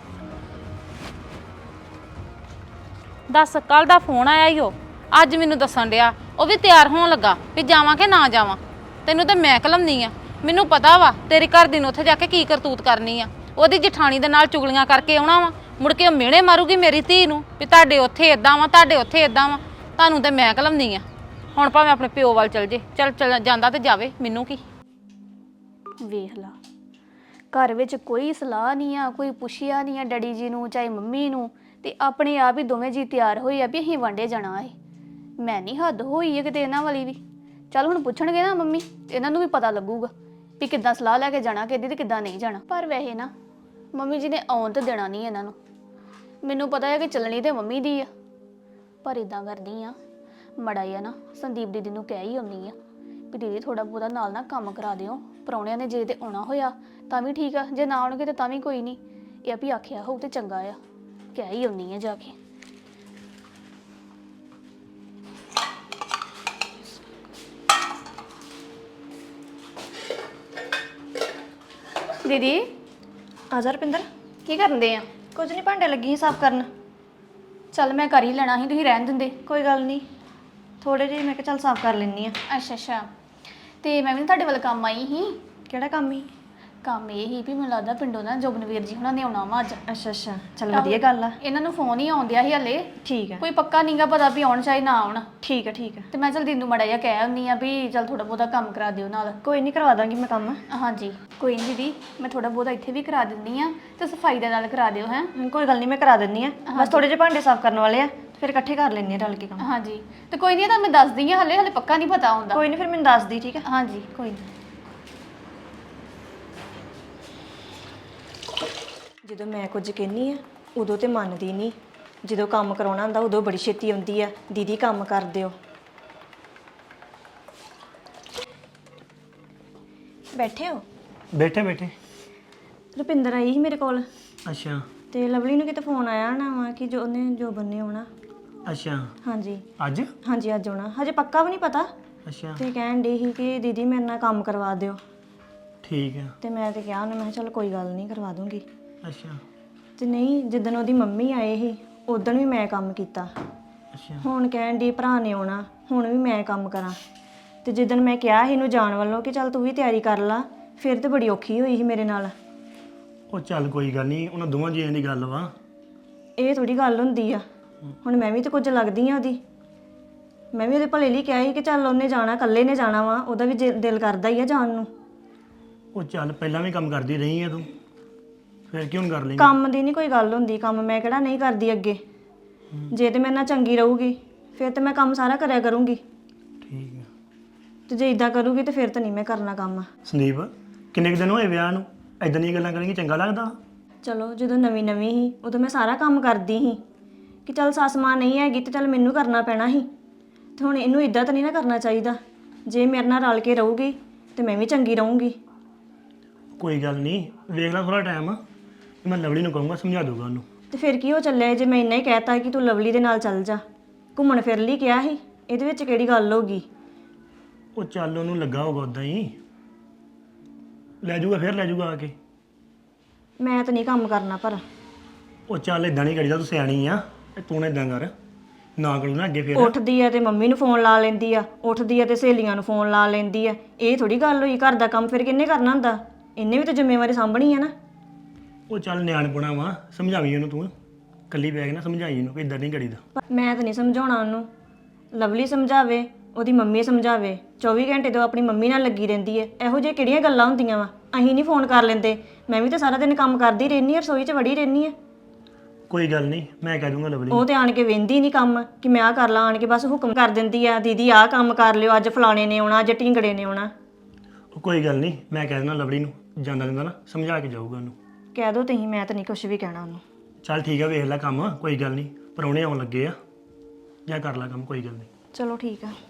ਦੱਸ, ਕੱਲ ਦਾ ਫੋਨ ਆਇਆ ਈ ਉਹ, ਅੱਜ ਮੈਨੂੰ ਦੱਸਣ ਡਿਆ ਉਹ ਵੀ ਤਿਆਰ ਹੋਣ ਲੱਗਾ ਵੀ ਜਾਵਾਂ ਕਿ ਨਾ ਜਾਵਾਂ। ਤੈਨੂੰ ਤਾਂ ਮੈਂ ਕਲਮਨੀ ਆ, ਮੈਨੂੰ ਪਤਾ ਵਾ ਤੇਰੀ ਘਰ ਦੀ ਨੂੰ ਉੱਥੇ ਜਾ ਕੇ ਕੀ ਕਰਤੂਤ ਕਰਨੀ ਆ। ਉਹਦੀ ਜਠਾਣੀ ਦੇ ਨਾਲ ਚੁਗਲੀਆਂ ਕਰਕੇ ਆਉਣਾ ਵਾ, ਮੁੜ ਕੇ ਉਹ ਮਿਹਣੇ ਮਾਰੂਗੀ ਮੇਰੀ ਧੀ ਨੂੰ ਵੀ ਤੁਹਾਡੇ ਉੱਥੇ ਇਦਾਂ ਵਾ, ਤੁਹਾਡੇ ਉੱਥੇ ਇਦਾਂ ਵਾ। ਤੁਹਾਨੂੰ ਤਾਂ ਮੈਂ ਕਲਮਨੀ ਆ। ਹੁਣ ਭਾਵੇਂ ਆਪਣੇ ਪਿਓ ਵੱਲ ਚਲ ਜੇ, ਚੱਲ ਜਾਂਦਾ ਤੇ ਜਾਵੇ, ਮੈਨੂੰ ਕੀ। ਵੇਖ ਲਾ, ਘਰ ਵਿੱਚ ਕੋਈ ਸਲਾਹ ਨਹੀਂ ਆ, ਕੋਈ ਪੁੱਛਿਆ ਨਹੀਂ ਆ ਡੈਡੀ ਜੀ ਨੂੰ ਚਾਹੇ ਮੰਮੀ ਨੂੰ, ਤੇ ਆਪਣੇ ਆਪ ਹੀ ਦੋਵੇਂ ਜੀ ਤਿਆਰ ਹੋਏ ਆ ਵੀ ਅਸੀਂ ਵਾਂਡੇ ਜਾਣਾ ਹੈ। ਮੈਂ ਨਹੀਂ, ਹੱਦ ਹੋਈ ਹੈ ਕਿਤੇ ਇਹਨਾਂ ਵਾਲੀ ਵੀ। ਚੱਲ ਹੁਣ ਪੁੱਛਣਗੇ ਨਾ ਮੰਮੀ, ਇਹਨਾਂ ਨੂੰ ਵੀ ਪਤਾ ਲੱਗੂਗਾ ਵੀ ਕਿੱਦਾਂ ਸਲਾਹ ਲੈ ਕੇ ਜਾਣਾ ਕਿੱਦੀ ਤੇ ਕਿੱਦਾਂ ਨਹੀਂ ਜਾਣਾ। ਪਰ ਵੈਸੇ ਨਾ ਮੰਮੀ ਜੀ ਨੇ ਆਉਣ ਤੇ ਦੇਣਾ ਨਹੀਂ ਇਹਨਾਂ ਨੂੰ। ਮੈਨੂੰ ਪਤਾ ਹੈ ਕਿ ਚੱਲਣੀ ਤੇ ਮੰਮੀ ਦੀ ਆ, ਪਰ ਇਦਾਂ ਕਰਦੀ ਆ, ਮੜਾ ਆ ਨਾ ਸੰਦੀਪ ਦੀਦੀ ਨੂੰ ਕਹਿ ਹੀ ਆਉਂਦੀ ਆ ਵੀ ਦੀਦੀ ਥੋੜਾ ਬਹੁਤਾ ਨਾਲ ਨਾ ਕੰਮ ਕਰਾ ਦਿਓ, ਪ੍ਰਾਹੁਣਿਆਂ ਨੇ ਜੇ ਤੇ ਆਉਣਾ ਹੋਇਆ ਤਾਂ ਵੀ ਠੀਕ ਆ, ਜੇ ਨਾ ਆਉਣਗੇ ਤਾਂ ਵੀ ਕੋਈ ਨਹੀਂ। ਇਹ ਆ ਵੀ ਆਖਿਆ ਹੋਊ ਤੇ ਚੰਗਾ ਆ, ਕਹਿ ਹੀ ਆਉਣੀ ਆ ਜਾ ਕੇ। ਦੀਦੀ ਆ ਜਾ ਰੁਪਿੰਦਰ। ਕੀ ਕਰਦੇ ਆ? ਕੁਝ ਨਹੀਂ, ਭਾਂਡੇ ਲੱਗੀ ਸੀ ਸਾਫ਼ ਕਰਨ। ਚੱਲ ਮੈਂ ਕਰ ਹੀ ਲੈਣਾ ਸੀ, ਤੁਸੀਂ ਰਹਿਣ ਦਿੰਦੇ। ਕੋਈ ਗੱਲ ਨਹੀਂ, ਥੋੜੇ ਜਿਹੇ ਮੈਂ ਕਿਹਾ ਚੱਲ ਸਾਫ਼ ਕਰ ਲੈਣੀ ਆ। ਅੱਛਾ ਅੱਛਾ, ਤੇ ਮੈਂ ਵੀ ਨਾ ਤੁਹਾਡੇ ਵੱਲ ਕੰਮ ਆਈ ਸੀ। ਕਿਹੜਾ ਕੰਮ ਹੀ? ਕੰਮ ਇਹ ਹੀ ਵੀ ਮੈਨੂੰ ਲੱਗਦਾ ਪਿੰਡੋਂ ਨਾ ਜੋਬਨਵੀਰ ਜੀ ਹੁਣਾਂ ਨੇ ਆਉਣਾ ਵਾ ਅੱਜ। ਅੱਛਾ ਅੱਛਾ, ਚੱਲ ਵਧੀਆ ਗੱਲ ਆ। ਇਹਨਾਂ ਨੂੰ ਫੋਨ ਹੀ ਆਉਂਦਿਆ ਸੀ ਹਲੇ, ਠੀਕ ਆ ਕੋਈ ਪੱਕਾ ਨਹੀਂਗਾ ਪਤਾ ਵੀ ਆਉਣ ਚਾਹੇ ਨਾ ਆਉਣ। ਠੀਕ ਆ ਠੀਕ ਆ। ਤੇ ਮੈਂ ਚਲ ਦਿਨ ਨੂੰ ਮੜਾ ਜਿਹਾ ਕਹਿ ਆਉਂਦੀ ਆ ਵੀ ਚਲ ਥੋੜਾ ਬਹੁਤਾ ਕੰਮ ਕਰਾ ਦਿਓ ਨਾਲ। ਕੋਈ ਨਹੀਂ, ਕਰਵਾ ਦਾਂਗੀ ਮੈਂ ਕੰਮ। ਹਾਂਜੀ ਕੋਈ ਨਹੀਂ ਦੀਦੀ, ਮੈਂ ਥੋੜਾ ਬਹੁਤਾ ਇੱਥੇ ਵੀ ਕਰਾ ਦਿੰਦੀ ਆ ਤੇ ਸਫਾਈ ਦੇ ਨਾਲ ਕਰਾ ਦਿਓ ਹੈ। ਕੋਈ ਗੱਲ ਨਹੀਂ, ਮੈਂ ਕਰਾ ਦਿੰਨੀ ਆ। ਬਸ ਥੋੜੇ ਜਿਹੇ ਭਾਂਡੇ ਸਾਫ਼ ਕਰਨ ਵਾਲੇ ਆ, ਫਿਰ ਇਕੱਠੇ ਕਰ ਲੈਣੀ ਆ ਰਲ ਕੇ ਕੰਮ। ਹਾਂਜੀ ਤੇ ਕੋਈ ਨਹੀਂ, ਤਾਂ ਮੈਂ ਦੱਸਦੀ ਆ, ਹਲੇ ਪੱਕਾ ਨਹੀਂ ਪਤਾ ਹੁੰਦਾ। ਕੋਈ ਨਹੀਂ, ਫਿਰ ਮੈਨੂੰ ਦੱਸ ਦੀ। ਠੀਕ ਆ, ਹਾਂਜੀ ਕੋਈ ਨਹੀਂ। ਜਦੋਂ ਮੈਂ ਕੁਝ ਕਹਿੰਨੀ ਆ ਉਦੋਂ ਤੇ ਮੰਨਦੀ ਨਹੀਂ, ਜਦੋਂ ਕੰਮ ਕਰਾਉਣਾ ਹੁੰਦਾ ਉਦੋਂ ਬੜੀ ਛੇਤੀ ਆਉਂਦੀ ਆ, ਦੀਦੀ ਕੰਮ ਕਰ ਦਿਓ। ਬੈਠੇ ਹੋ? ਬੈਠੇ ਬੈਠੇ। ਰੁਪਿੰਦਰ ਆਈ ਸੀ ਮੇਰੇ ਕੋਲ, ਅੱਛਾ ਤੇ ਲਵਲੀ ਨੂੰ ਕਿਤੇ ਫੋਨ ਆਇਆ ਨਾ ਵਾ ਕਿ ਜੋ ਉਹਨੇ ਜੋ ਬੰਨੇ ਆਉਣਾ। ਅੱਛਾ। ਹਾਂਜੀ ਅੱਜ? ਹਾਂਜੀ ਅੱਜ ਆਉਣਾ, ਹਜੇ ਪੱਕਾ ਵੀ ਨਹੀਂ ਪਤਾ। ਅੱਛਾ ਤੇ ਕਹਿਣ ਡਈ ਸੀ ਕਿ ਦੀਦੀ ਮੇਰੇ ਨਾਲ ਕੰਮ ਕਰਵਾ ਦਿਓ। ਠੀਕ ਆ। ਤੇ ਮੈਂ ਤੇ ਕਿਹਾ ਉਹਨੂੰ, ਮੈਂ ਕਿਹਾ ਚੱਲ ਕੋਈ ਗੱਲ ਨਹੀਂ, ਕਰਵਾ ਦੂੰਗੀ। ਅੱਛਾ ਤੇ ਨਹੀਂ, ਜਿੱਦਣ ਉਹਦੀ ਮੰਮੀ ਆਏ ਸੀ ਉਦੋਂ ਵੀ ਮੈਂ ਕੰਮ ਕੀਤਾ। ਅੱਛਾ ਹੁਣ ਕਹਿਣ ਦੀ ਭਰਾ ਨੇ ਆਉਣਾ, ਹੁਣ ਵੀ ਮੈਂ ਕੰਮ ਕਰਾਂ। ਤੇ ਜਿੱਦਣ ਮੈਂ ਕਿਹਾ ਸੀ ਇਹਨੂੰ ਜਾਣ ਵੱਲੋਂ ਕਿ ਚੱਲ ਤੂੰ ਵੀ ਤਿਆਰੀ ਕਰ ਲਾ, ਫਿਰ ਤੇ ਬੜੀ ਔਖੀ ਹੋਈ ਸੀ ਮੇਰੇ ਨਾਲ। ਉਹ ਚੱਲ ਕੋਈ ਗੱਲ ਨਹੀਂ, ਉਹਨਾਂ ਦੋਵਾਂ ਜੀਆਂ ਦੀ ਗੱਲ ਵਾ। ਇਹ ਥੋੜੀ ਗੱਲ ਹੁੰਦੀ ਆ। ਹੁਣ ਮੈਂ ਵੀ ਤੇ ਕੁਝ ਲੱਗਦੀ ਆ ਉਹਦੀ। ਮੈਂ ਵੀ ਉਹਦੇ ਭਲੇ ਲਈ ਕਿਹਾ ਸੀ ਕਿ ਚੱਲ ਉਹਨੇ ਜਾਣਾ, ਇਕੱਲੇ ਨੇ ਜਾਣਾ ਵਾ, ਉਹਦਾ ਵੀ ਦਿਲ ਕਰਦਾ ਹੀ ਆ ਜਾਣ ਨੂੰ। ਉਹ ਚੱਲ ਪਹਿਲਾਂ ਵੀ ਕੰਮ ਕਰਦੀ ਰਹੀ ਆ ਤੂੰ, ਫਿਰ ਕਿਉਂ ਨੀ ਕਰ ਲੇਂਗੀ? ਕੰਮ ਦੀ ਨਹੀਂ ਕੋਈ ਗੱਲ ਹੁੰਦੀ, ਕੰਮ ਮੈਂ ਕਿਹੜਾ ਨਹੀਂ ਕਰਦੀ ਅੱਗੇ। ਜੇ ਤੇ ਮੇਰੇ ਨਾਲ ਚੰਗੀ ਰਹੂਗੀ ਫਿਰ ਤੇ ਮੈਂ ਕੰਮ ਸਾਰਾ ਕਰਿਆ ਕਰੂੰਗੀ, ਠੀਕ ਆ। ਤੇ ਜੇ ਇਦਾਂ ਕਰੂਗੀ ਤੇ ਫਿਰ ਤਾਂ ਨਹੀਂ ਮੈਂ ਕਰਨਾ ਕੰਮ। ਸੰਦੀਪ, ਕਿੰਨੇ ਕੁ ਦਿਨ ਹੋਏ ਵਿਆਹ ਨੂੰ? ਇਦਾਂ ਦੀਆਂ ਗੱਲਾਂ ਕਰੇਂਗੀ ਚੰਗਾ ਲੱਗਦਾ? ਚਲੋ ਜਦੋਂ ਨਵੀਂ ਨਵੀਂ ਸੀ ਉਦੋਂ ਮੈਂ ਸਾਰਾ ਕੰਮ ਕਰਦੀ ਸੀ ਕਿ ਚੱਲ ਸੱਸ ਮਾਂ ਨਹੀਂ ਹੈਗੀ ਤੇ ਚੱਲ ਮੈਨੂੰ ਕਰਨਾ ਪੈਣਾ ਸੀ। ਤੇ ਹੁਣ ਇਹਨੂੰ ਇਦਾਂ ਤਾਂ ਨਹੀਂ ਨਾ ਕਰਨਾ ਚਾਹੀਦਾ। ਜੇ ਮੇਰੇ ਨਾਲ ਰਲ ਕੇ ਰਹੂਗੀ ਤੇ ਮੈਂ ਵੀ ਚੰਗੀ ਰਹੂੰਗੀ। ਕੋਈ ਗੱਲ ਨਹੀਂ, ਵੇਖ ਲੈ ਥੋੜਾ ਟਾਈਮ, ਮੈਂ ਲਵਲੀ ਨੂੰ ਕਹੂੰਗਾ, ਸਮਝਾ ਦੂੰਗਾ ਉਹਨੂੰ। ਤੇ ਫਿਰ ਕੀ ਹੋ ਚੱਲਿਆ ਜੇ ਮੈਂ ਇੰਨਾ ਹੀ ਕਹਿਤਾ ਕਿ ਤੂੰ ਲਵਲੀ ਦੇ ਨਾਲ ਚੱਲ ਜਾ, ਘੁੰਮਣ ਫਿਰ ਲਈ ਕਿਹਾ ਸੀ, ਇਹਦੇ ਵਿੱਚ ਕਿਹੜੀ ਗੱਲ ਹੋ ਗਈ? ਉਹ ਚੱਲ ਉਹਨੂੰ ਲੱਗਾ ਹੋਗਾ ਉਦਾਂ ਹੀ, ਲੈ ਜਾਊਗਾ, ਫਿਰ ਲੈ ਜਾਊਗਾ ਆ ਕੇ। ਮੈਂ ਤਾਂ ਨਹੀਂ ਕੰਮ ਕਰਨਾ ਪਰ। ਉਹ ਚੱਲ ਇਦਾਂ ਨਹੀਂ ਕਰੀਦਾ, ਤੂੰ ਸਿਆਣੀ ਆ, ਤੂੰ ਨਾ ਇਦਾਂ ਕਰ, ਨਾ ਕਰੂ ਨਾ ਅੱਗੇ ਫਿਰ। ਉੱਠਦੀ ਆ ਤੇ ਮੰਮੀ ਨੂੰ ਫੋਨ ਲਾ ਲੈਂਦੀ ਆ, ਉੱਠਦੀ ਆ ਤੇ ਸਹੇਲੀਆਂ ਨੂੰ ਫੋਨ ਲਾ ਲੈਂਦੀ ਆ। ਇਹ ਥੋੜੀ ਗੱਲ ਹੋਈ, ਘਰ ਦਾ ਕੰਮ ਫਿਰ ਕਿੰਨੇ ਕਰਨਾ ਹੁੰਦਾ? ਇਹਨੇ ਵੀ ਤਾਂ ਜ਼ਿੰਮੇਵਾਰੀ ਸਾਂਭਣੀ ਆ ਨਾ। ਉਹ ਚੱਲ ਨਿਆਣਪੁਣਾ ਵਾ, ਸਮਝਾਵੀਂ ਉਹਨੂੰ ਤੂੰ, ਇਕੱਲੀ ਬੈਗ ਨਾ ਸਮਝਾਈ ਇਹਨੂੰ ਕਿ ਇਦਾਂ ਨਹੀਂ ਕਰੀਦਾ। ਮੈਂ ਤਾਂ ਨਹੀਂ ਸਮਝਾਉਣਾ ਉਹਨੂੰ, ਲਵਲੀ ਸਮਝਾਵੇ, ਉਹਦੀ ਮੰਮੀ ਸਮਝਾਵੇ। 24 ਘੰਟੇ ਤੋਂ ਆਪਣੀ ਮੰਮੀ ਨਾਲ ਲੱਗੀ ਰਹਿੰਦੀ ਹੈ। ਇਹੋ ਜਿਹੇ ਕਿਹੜੀਆਂ ਗੱਲਾਂ ਹੁੰਦੀਆਂ ਵਾ? ਅਸੀਂ ਨਹੀਂ ਫੋਨ ਕਰ ਲੈਂਦੇ? ਮੈਂ ਵੀ ਤਾਂ ਸਾਰਾ ਦਿਨ ਕੰਮ ਕਰਦੀ ਰਹਿੰਦੀ ਹਾਂ, ਰਸੋਈ 'ਚ ਵੜੀ ਰਹਿੰਦੀ ਹਾਂ। ਕੋਈ ਗੱਲ ਨਹੀਂ, ਮੈਂ ਕਹਿ ਦੂੰਗਾ ਲਵਲੀ। ਉਹ ਤੇ ਆਣ ਕੇ ਵੇਂਦੀ ਨਹੀਂ ਕੰਮ ਕਿ ਮੈਂ ਆਹ ਕਰ ਲਾਂ, ਆਣ ਕੇ ਬਸ ਹੁਕਮ ਕਰ ਦਿੰਦੀ ਆ, ਦੀਦੀ ਆਹ ਕੰਮ ਕਰ ਲਿਓ, ਅੱਜ ਫਲਾਣੇ ਨੇ ਆਉਣਾ, ਅੱਜ ਢਿੰਗੜੇ ਨੇ ਆਉਣਾ। ਉਹ ਕੋਈ ਗੱਲ ਨਹੀਂ, ਮੈਂ ਕਹਿ ਦੇਣਾ ਲਵਲੀ ਨੂੰ, ਜਾਂਦਾ ਜਾਂਦਾ ਨਾ ਸਮਝਾ ਕੇ ਜਾਊਗਾ ਉਹਨੂੰ। ਕਹਿ ਦੋ ਤੁਸੀਂ, ਮੈਂ ਤਾਂ ਨਹੀਂ ਕੁਝ ਵੀ ਕਹਿਣਾ ਉਹਨੂੰ। ਚੱਲ ਠੀਕ ਆ, ਵੇਖ ਲੈ ਕੰਮ, ਕੋਈ ਗੱਲ ਨਹੀਂ, ਪਰੌਣੇ ਆਉਣ ਲੱਗੇ ਆ, ਜਾਂ ਕਰ ਲੈ ਕੰਮ, ਕੋਈ ਗੱਲ ਨਹੀਂ। ਚਲੋ ਠੀਕ ਆ।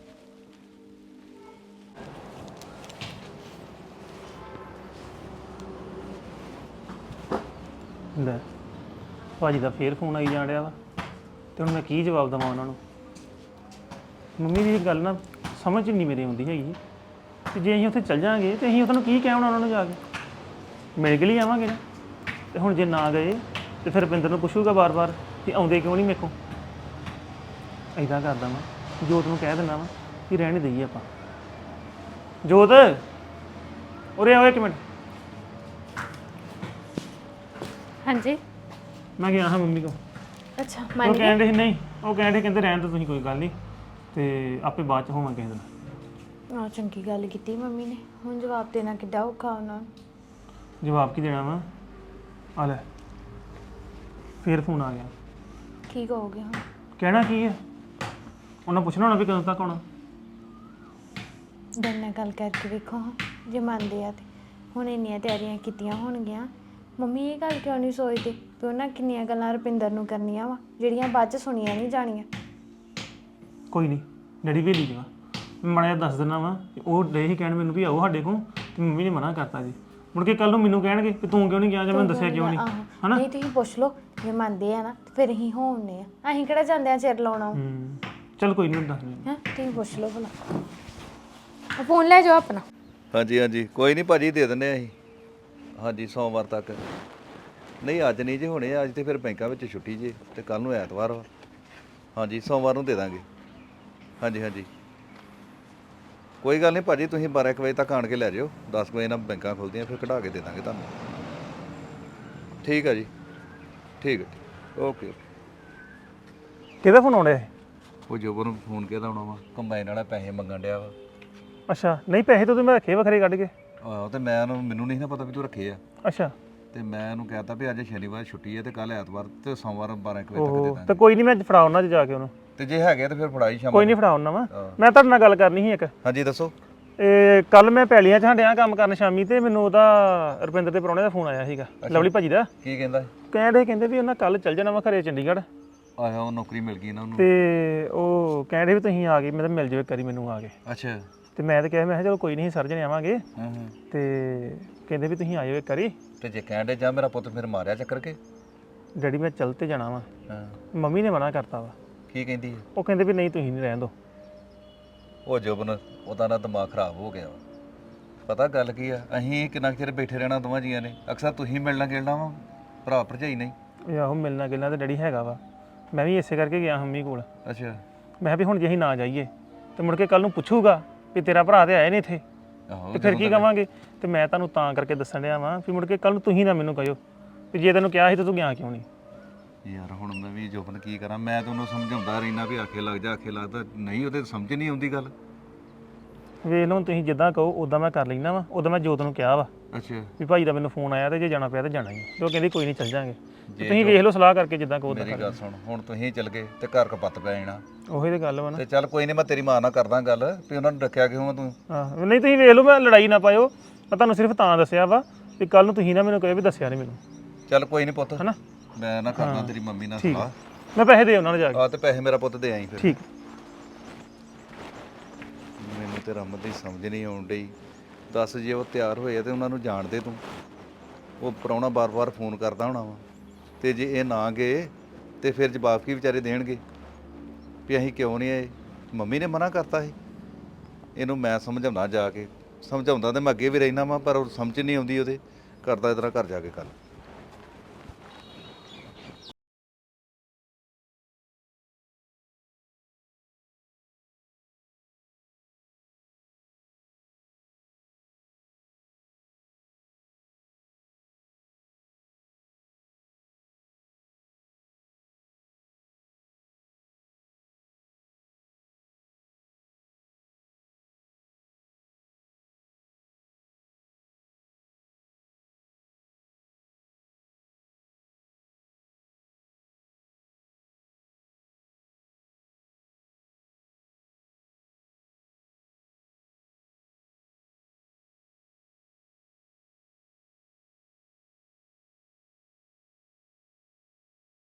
ਲੈ ਭਾਜੀ ਦਾ ਫੇਰ ਫੋਨ ਆਈ ਜਾਣ ਰਿਹਾ ਵਾ, ਤੇ ਹੁਣ ਮੈਂ ਕੀ ਜਵਾਬ ਦੇਵਾਂ ਉਹਨਾਂ ਨੂੰ? ਮੰਮੀ ਦੀ ਗੱਲ ਨਾ ਸਮਝ ਨਹੀਂ ਮੇਰੇ ਆਉਂਦੀ ਹੈਗੀ ਕਿ ਜੇ ਅਸੀਂ ਉੱਥੇ ਚੱਲ ਜਾਾਂਗੇ ਤੇ ਅਸੀਂ ਉਹਨਾਂ ਨੂੰ ਕੀ ਕਹਿਣਾ, ਉਹਨਾਂ ਨੂੰ ਜਾ ਕੇ ਮਿਲ ਕੇ ਲਈ ਆਵਾਂਗੇ ਨਾ। ਤੇ ਹੁਣ ਜੇ ਨਾ ਗਏ ਤੇ ਫਿਰ ਰੁਪਿੰਦਰ ਨੂੰ ਪੁੱਛੂਗਾ ਬਾਰ-ਬਾਰ ਕਿ ਆਉਂਦੇ ਕਿਉਂ ਨਹੀਂ ਮੇਰੇ ਕੋਲ। ਇੱਦਾਂ ਕਰਦਾ ਮੈਂ, ਜੋਤ ਨੂੰ ਕਹਿ ਦਿੰਦਾ ਵਾ ਕਿ ਰਹਿਣ ਦੇਈਏ ਆਪਾਂ। ਜੋਤ ਉਰੇ ਆਓ ਇੱਕ ਮਿੰਟ। ਹਾਂਜੀ। ਮੈਂ ਗਿਆ ਹਾਂ ਮੰਮੀ ਕੋਲ। ਅੱਛਾ ਉਹ ਕਹਿੰਦੇ ਸੀ ਨਹੀਂ, ਉਹ ਕਹਿੰਦੇ ਰਹਿਣ ਤੋਂ ਤੁਸੀਂ, ਕੋਈ ਗੱਲ ਨਹੀਂ, ਤੇ ਆਪੇ ਬਾਅਦ ਚ ਹੋਵਾਂਗੇ ਕਿਸੇ ਦਿਨ। ਆ ਚੰਗੀ ਗੱਲ ਕੀਤੀ ਮੰਮੀ ਨੇ। ਹੁਣ ਜਵਾਬ ਦੇਣਾ ਕਿੱਡਾ ਔਖਾ ਉਹਨਾਂ ਨੂੰ। ਜਵਾਬ ਕੀ ਦੇਣਾ ਵਾ? ਆ ਲੈ ਫੇਰ ਫੋਨ ਆ ਗਿਆ। ਕੀ ਕਹੋਗੇ ਹੁਣ? ਕਹਿਣਾ ਕੀ ਹੈ? ਉਹਨਾਂ ਪੁੱਛਣਾ ਹੋਣਾ ਵੀ ਕਦੋਂ ਤੱਕ ਆਉਣਾ। ਡਰ ਨਾਲ ਗੱਲ ਕਰਕੇ ਵੇਖੋ ਹਾਂ, ਜੇ ਮੰਨਦੇ ਆ ਤੇ। ਹੁਣ ਇੰਨੀਆਂ ਤਿਆਰੀਆਂ ਕੀਤੀਆਂ ਹੋਣਗੀਆਂ, ਮੰਮੀ ਇਹ ਗੱਲ ਕਿਉਂ ਨਹੀਂ ਸੋਚਦੇ ਵੀ ਉਹਨਾਂ ਕਿੰਨੀਆਂ ਗੱਲਾਂ ਰੁਪਿੰਦਰ ਨੂੰ ਕਰਨੀਆਂ ਵਾ ਜਿਹੜੀਆਂ ਬਾਅਦ ਚ ਸੁਣੀਆਂ ਨਹੀਂ ਜਾਣੀਆਂ। ਕੋਈ ਨਹੀਂ, ਡੈਡੀ ਵੇਲੀ ਜਗਾ, ਮਾੜਾ ਜਿਹਾ ਦੱਸ ਦਿੰਦਾ ਵਾ ਉਹ ਡੇ ਹੀ ਕਹਿਣ ਮੈਨੂੰ ਵੀ ਆਓ ਸਾਡੇ ਕੋਲ ਤੇ ਮੰਮੀ ਨੇ ਮਨਾ ਕਰਤਾ ਜੀ ਮੁੜ ਕੇ ਕੱਲ ਨੂੰ ਮੈਨੂੰ ਕਹਿਣਗੇ ਕਿ ਤੂੰ ਕਿਉਂ ਨਹੀਂ ਗਿਆ ਜਾਂ ਮੈਨੂੰ ਦੱਸਿਆ ਕਿਉਂ ਨਹੀਂ ਹਨਾ ਨਹੀਂ ਤੁਸੀਂ ਪੁੱਛ ਲਓ ਜੇ ਮੰਨਦੇ ਆ ਨਾ ਤੇ ਫਿਰ ਅਸੀਂ ਹੋਣੇ ਆ ਅਸੀਂ ਕਿਹੜਾ ਜਾਂਦੇ ਆ ਚਿਰ ਲਾਉਣਾ ਚਲ ਕੋਈ ਨਹੀਂ ਦੱਸ ਦੇ ਹੈ ਤੁਸੀਂ ਪੁੱਛ ਲਓ ਭਲਾ ਫੋਨ ਲੈ ਜਾਓ ਆਪਣਾ ਹਾਂਜੀ ਹਾਂਜੀ ਕੋਈ ਨਹੀਂ ਭਾਜੀ ਦੇ ਦਿੰਦੇ ਆ ਅਸੀਂ ਹਾਂਜੀ ਸੋਮਵਾਰ ਤੱਕ ਨਹੀਂ ਅੱਜ ਨਹੀਂ ਜੇ ਹੋਣੇ ਅੱਜ ਤੇ ਫਿਰ ਬੈਂਕਾਂ ਵਿੱਚ ਛੁੱਟੀ ਜੇ ਤੇ ਕੱਲ ਨੂੰ ਐਤਵਾਰ ਵਾ ਹਾਂਜੀ ਸੋਮਵਾਰ ਨੂੰ ਦੇ ਦਾਂਗੇ ਹਾਂਜੀ ਹਾਂਜੀ ਕੋਈ ਗੱਲ ਨਹੀਂ ਭਾਜੀ ਤੁਸੀਂ 12 ਵਜੇ ਤੱਕ ਆਣ ਕੇ ਲੈ ਜਾਓ 10 ਵਜੇ ਨਾਲ ਬੈਂਕਾਂ ਖੁੱਲਦੀਆਂ ਫਿਰ ਕਢਾ ਕੇ ਦੇ ਦਾਂਗੇ ਤੁਹਾਨੂੰ ਠੀਕ ਆ ਜੀ ਠੀਕ ਹੈ ਓਕੇ ਕਿਹਦਾ ਫੋਨ ਆਉਣਾ ਹੈ ਉਹ ਜੋਬਰ ਨੂੰ ਫੋਨ ਕਿਹਦਾ ਆਉਣਾ ਵਾ ਕੰਬਾਈਨ ਵਾਲਾ ਪੈਸੇ ਮੰਗਣ ਡਿਆ ਵਾ ਅੱਛਾ ਨਹੀਂ ਪੈਸੇ ਤਾਂ ਮੈਂ ਰੱਖੇ ਵੱਖਰੇ ਕੱਢ ਕੇ ਆਹੋ ਤੇ ਮੈਨੂੰ ਨਹੀਂ ਨਾ ਪਤਾ ਵੀ ਤੂੰ ਰੱਖੇ ਆ ਅੱਛਾ ਤੇ ਮੈਂ ਉਹਨੂੰ ਕਹਿਤਾ ਵੀ ਅੱਜ ਸ਼ਨੀਵਾਰ ਛੁੱਟੀ ਹੈ ਤੇ ਕੱਲ ਐਤਵਾਰ ਤੇ ਸੋਮਵਾਰ 12 ਵਜੇ ਤੱਕ ਦੇ ਉਹ ਦਾਂਗੇ ਤਾਂ ਕੋਈ ਨਹੀਂ ਮੈਂ ਫੜਾਉਣਾ ਜਾ ਕੇ ਉਹਨੂੰ ਤੇ ਜੇ ਹੈਗੇ ਤੇ ਫਿਰ ਫੜਾਈ ਸ਼ਾਮ ਕੋਈ ਨਹੀਂ ਫੜਾਉਣਾ ਵਾ ਮੈਂ ਤੁਹਾਡੇ ਨਾਲ ਗੱਲ ਕਰਨੀ ਸੀ ਇੱਕ ਹਾਂਜੀ ਦੱਸੋ ਇਹ ਕੱਲ ਮੈਂ ਪੈਲੀਆਂ 'ਚ ਹੰਡਿਆ ਕੰਮ ਕਰਨ ਸ਼ਾਮੀ ਤੇ ਮੈਨੂੰ ਉਹਦਾ ਰੁਪਿੰਦਰ ਦੇ ਪ੍ਰਾਹੁਣੇ ਦਾ ਫੋਨ ਆਇਆ ਸੀਗਾ ਲਵਲੀ ਭਾਜੀ ਦਾ ਕੀ ਕਹਿੰਦਾ ਕਹਿੰਦੇ ਵੀ ਉਹਨਾਂ ਕੱਲ ਚੱਲ ਜਾਣਾ ਵਾ ਘਰੇ ਚੰਡੀਗੜ੍ਹ ਆਇਆ ਉਹ ਨੌਕਰੀ ਮਿਲ ਗਈ ਨਾ ਉਹਨੂੰ ਤੇ ਉਹ ਕਹਿੰਦੇ ਵੀ ਤੁਸੀਂ ਆ ਗਏ ਮੈਂ ਤਾਂ ਮਿਲ ਜਾਓ ਇੱਕ ਵਾਰੀ ਮੈਨੂੰ ਆ ਕੇ ਅੱਛਾ ਤੇ ਮੈਂ ਤਾਂ ਕਿਹਾ ਮੈਂ ਕਿਹਾ ਚਲੋ ਕੋਈ ਨਹੀਂ ਸਰ ਜਣੇ ਆਵਾਂਗੇ ਹਾਂ ਹਾਂ ਤੇ ਕਹਿੰਦੇ ਵੀ ਤੁਸੀਂ ਆਇਓ ਇੱਕ ਵਾਰੀ ਤੇ ਜੇ ਕਹਿੰਦੇ ਜਾ ਮੇਰਾ ਪੁੱਤ ਫਿਰ ਮਾਰਿਆ ਚੱਕਰ ਕੇ ਡੈਡੀ ਮੈਂ ਚੱਲ ਤੇ ਜਾਣਾ ਵਾ ਹਾਂ ਮੰਮੀ ਨੇ ਮਨਾ ਕਰਤਾ ਵਾ ਕੀ ਕਹਿੰਦੀ ਹੈ ਉਹ ਕਹਿੰਦੇ ਵੀ ਨਹੀਂ ਤੁਸੀਂ ਨਹੀਂ ਰਹਿਣ ਦੋ ਉਹ ਜੁਬਨ ਉਹਦਾ ਨਾ ਦਿਮਾਗ ਖਰਾਬ ਹੋ ਗਿਆ ਵਾ। ਪਤਾ ਗੱਲ ਕੀ ਆ ਅਸੀਂ ਕਿੰਨਾ ਕੁ ਚਿਰ ਬੈਠੇ ਰਹਿਣਾ ਦੋਵਾਂ ਜੀਆਂ ਨੇ ਅਕਸਰ ਤੁਸੀਂ ਮਿਲਣਾ ਗਿਲਣਾ ਵਾ ਭਰਾ ਭਰਜਾਈ ਨਹੀਂ ਇਹ ਆਹੋ ਮਿਲਣਾ ਗਿਲਣਾ ਤੇ ਡੈਡੀ ਹੈਗਾ ਵਾ ਮੈਂ ਵੀ ਇਸੇ ਕਰਕੇ ਗਿਆ ਮੰਮੀ ਕੋਲ ਅੱਛਾ ਮੈਂ ਕਿਹਾ ਵੀ ਹੁਣ ਜੇ ਅਸੀਂ ਨਾ ਜਾਈਏ ਤੇ ਮੁੜ ਕੇ ਕੱਲ ਨੂੰ ਪੁੱਛੂਗਾ ਵੀ ਤੇਰਾ ਭਰਾ ਤੇ ਆਏ ਨਹੀਂ ਇੱਥੇ ਆਹੋ ਤੇ ਫਿਰ ਕੀ ਕਵਾਂਗੇ ਤੇ ਮੈਂ ਤੁਹਾਨੂੰ ਤਾਂ ਕਰਕੇ ਦੱਸਣ ਡਿਆ ਵਾਂ ਵੀ ਮੁੜ ਕੇ ਕੱਲ ਨੂੰ ਤੁਸੀਂ ਨਾ ਮੈਨੂੰ ਕਹਿਓ ਵੀ ਜੇ ਤੈਨੂੰ ਕਿਹਾ ਸੀ ਤਾਂ ਤੂੰ ਗਿਆ ਕਿਉਂ ਨਹੀਂ ਯਾਰ ਹੁਣ ਮੈਂ ਵੀ ਜੁਬਨ ਕੀ ਕਰਾਂ ਮੈਂ ਤਾਂ ਉਹਨੂੰ ਸਮਝਾਉਂਦਾ ਰਹਿਣਾ ਵੀ ਆਖੇ ਲੱਗ ਜਾ ਆਖੇ ਲੱਗਦਾ ਨਹੀਂ ਉਹਦੇ ਸਮਝ ਨਹੀਂ ਆਉਂਦੀ ਗੱਲ ਵੇਖ ਲਓ ਤੁਸੀਂ ਜਿੱਦਾਂ ਕਹੋ ਉਦਾਂ ਮੈਂ ਕਰ ਲੈਣਾ ਵਾ ਉਦਾਂ ਮੈਂ ਜੋਤ ਨੂੰ ਕਿਹਾ ਵਾ ਅੱਛਾ ਵੀ ਭਾਈ ਦਾ ਮੈਨੂੰ ਫੋਨ ਆਇਆ ਤੇ ਜੇ ਜਾਣਾ ਪਿਆ ਤਾਂ ਜਾਣਾ ਹੀ ਤੇ ਉਹ ਕਹਿੰਦੀ ਕੋਈ ਨਹੀਂ ਚੱਲ ਜਾਾਂਗੇ ਤੁਸੀਂ ਵੇਖ ਲਓ ਸਲਾਹ ਕਰਕੇ ਜਿੱਦਾਂ ਕਹੋ ਮੇਰੀ ਗੱਲ ਸੁਣ ਹੁਣ ਤੁਸੀਂ ਚੱਲ ਗਏ ਤੇ ਘਰ ਕਪੱਤ ਪੈ ਜਾਣਾ ਉਹੀ ਤੇ ਗੱਲ ਵਾ ਨਾ ਤੇ ਚੱਲ ਕੋਈ ਨਹੀਂ ਮੈਂ ਤੇਰੀ ਮਾਂ ਨਾਲ ਕਰਦਾ ਗੱਲ ਵੀ ਉਹਨਾਂ ਨੂੰ ਰੱਖਿਆ ਕਿਉਂ ਆ ਤੂੰ ਹਾਂ ਨਹੀਂ ਤੁਸੀਂ ਵੇਖ ਲਓ ਮੈਂ ਲੜਾਈ ਨਾ ਪਾਇਓ ਮੈਂ ਤੁਹਾਨੂੰ ਸਿਰਫ ਤਾਂ ਦੱਸਿਆ ਵਾ ਵੀ ਕੱਲ ਨੂੰ ਤੁਸੀਂ ਨਾ ਮੈਨੂੰ ਕਹੇ ਵੀ ਦੱਸਿਆ ਨਹੀਂ ਮੈਨੂੰ ਚੱਲ ਕੋਈ ਨਹੀਂ ਪੁੱਤ ਹਨਾ ਮੈਂ ਨਾ ਕਰਦਾ ਤੇਰੀ ਮੰਮੀ ਨਾਲ ਠੀਕ ਸਲਾਹ ਮੈਂ ਪੈਸੇ ਦੇ ਉਹਨਾਂ ਨੂੰ ਜਾ ਕੇ ਆ ਤੇ ਪੈਸੇ ਮੇਰਾ ਪੁੱਤ ਦੇ ਆਈ ਫਿਰ ਠੀਕ ਮੈਨੂੰ ਤੇ ਰਮਨ ਦੀ ਸਮਝ ਨਹੀਂ ਆਉਣ ਡਈ ਦੱਸ ਜੇ ਉਹ ਤਿਆਰ ਹੋਏ ਆ ਤੇ ਉਹਨਾਂ ਨੂੰ ਜਾਣ ਦੇ ਤੂੰ ਉਹ ਪ੍ਰਾਹੁਣਾ ਬਾਰ-ਬਾਰ ਫੋਨ ਕਰਦਾ ਹੋਣਾ ਵਾ ਤੇ ਜੇ ਇਹ ਨਾ ਗਏ ਤੇ ਫਿਰ ਜਵਾਬ ਕੀ ਵਿਚਾਰੇ ਦੇਣਗੇ ਵੀ ਅਸੀਂ ਕਿਉਂ ਨਹੀਂ ਆਏ ਮੰਮੀ ਨੇ ਮਨਾ ਕਰਤਾ ਸੀ ਇਹਨੂੰ ਮੈਂ ਸਮਝਾਉਣਾ ਜਾ ਕੇ ਸਮਝਾਉਂਦਾ ਤੇ ਮੈਂ ਅੱਗੇ ਵੀ ਰਹਿਣਾ ਵਾ ਪਰ ਉਹ ਸਮਝ ਨਹੀਂ ਆਉਂਦੀ ਉਹਦੇ ਕਰਦਾ ਇਸ ਤਰ੍ਹਾਂ ਘਰ ਜਾ ਕੇ ਗੱਲ